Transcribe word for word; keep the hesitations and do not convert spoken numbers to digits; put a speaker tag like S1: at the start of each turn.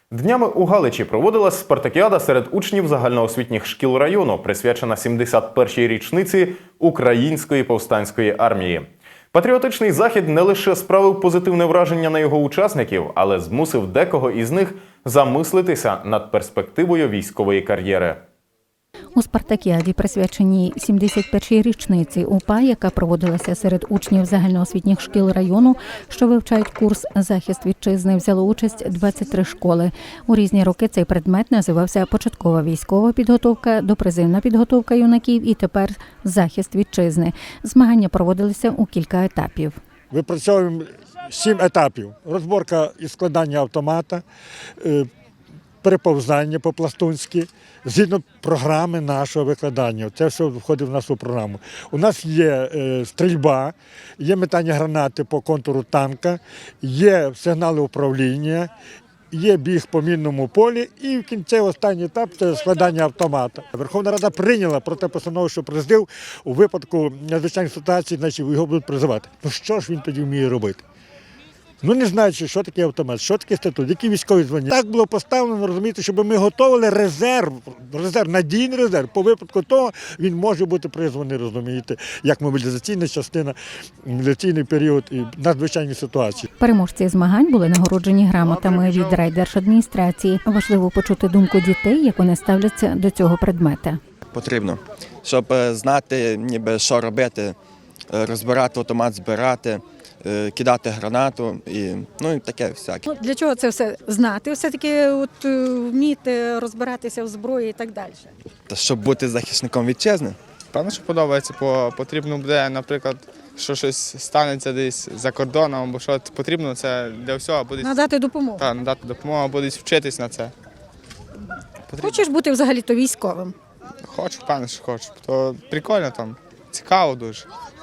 S1: Днями у Галичі проводилась спартакіада серед учнів загальноосвітніх шкіл району, присвячена сімдесят першій річниці Української повстанської армії. Патріотичний захід не лише справив позитивне враження на його учасників, але змусив декого із них замислитися над перспективою військової кар'єри.
S2: У спартакіаді, присвяченій сімдесят першій річниці УПА, яка проводилася серед учнів загальноосвітніх шкіл району, що вивчають курс «Захист вітчизни», взяло участь двадцять три школи. У різні роки цей предмет називався «Початкова військова підготовка», «Допризивна підготовка юнаків» і тепер «Захист вітчизни». Змагання проводилися у кілька етапів.
S3: Випрацьовуємо сім етапів. Розборка і складання автомата, переповзання по-пластунськи, згідно програми нашого викладання. Це все входить в нашу програму. У нас є е, стрільба, є метання гранати по контуру танка, є сигнали управління, є біг по мінному полі і в кінці останній етап – це складання автомата. Верховна Рада прийняла проти постанову, що президив у випадку надзвичайних ситуацій, значить його будуть призивати. Ну що ж він тоді вміє робити? Ну, не знаючи, що таке автомат, що таке статут, які військові звання. Так було поставлено, розумієте, щоб ми готували резерв, резерв, надійний резерв. По випадку того він може бути призваний, розумієте, як мобілізаційна частина, мобілізаційний період і надзвичайні ситуації.
S2: Переможці змагань були нагороджені грамотами від райдержадміністрації. Важливо почути думку дітей, як вони ставляться до цього предмета.
S4: Потрібно, щоб знати, ніби, що робити, розбирати автомат, збирати, кидати гранату і ну і таке всяке.
S5: Для чого це все знати? Все-таки от, вміти розбиратися в зброї і так далі.
S4: Та щоб бути захисником вітчизни.
S6: Певно, що подобається, бо потрібно буде, наприклад, що щось станеться десь за кордоном, або що потрібно, це для всього буде.
S5: Надати допомогу.
S6: Так, надати допомогу, або десь вчитись на це. Потрібно.
S5: Хочеш бути взагалі-то військовим?
S6: Хочу, певно, що хочу. То прикольно там, цікаво дуже.